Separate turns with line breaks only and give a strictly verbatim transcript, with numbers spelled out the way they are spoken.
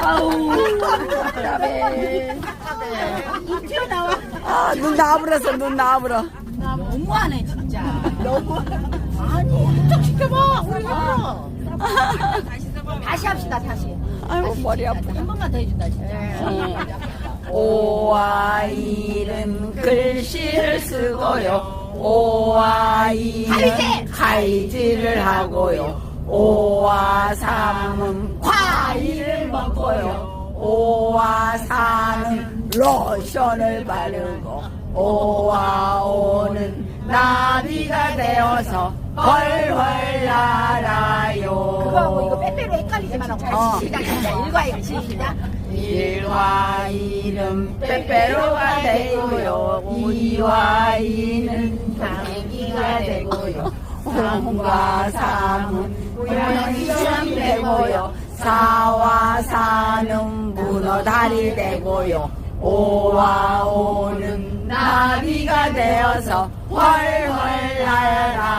아우 답답해.
눈 튀어나와.
아, 눈 나불었어, 눈 나불어.
너무하네 진짜. 너무. 아니 한쪽 시켜봐 우리가. 다시 합시다 다시.
아이고, 머리 아파.
한 번만 더 해준다 진짜.
오와 이는 글씨를 쓰고요. 오와 이는 칼질을 하고요. 오와 삼은 과일을 먹고요. 오와 사는 로션을 바르고 오와 오는 나비가 되어서 훨훨 날아요.
그거하고 이거 빼빼로 헷갈리지만
어.
시작 시작 일과 일 시작.
일과 일은 빼빼로가 되고요. 이와 이는 당기가 되고요. 삼과 삼은 고양이처럼 되고요. 사와 사는 문어다리 되고요. 오와 오는 나비가 되어서 훨훨 날아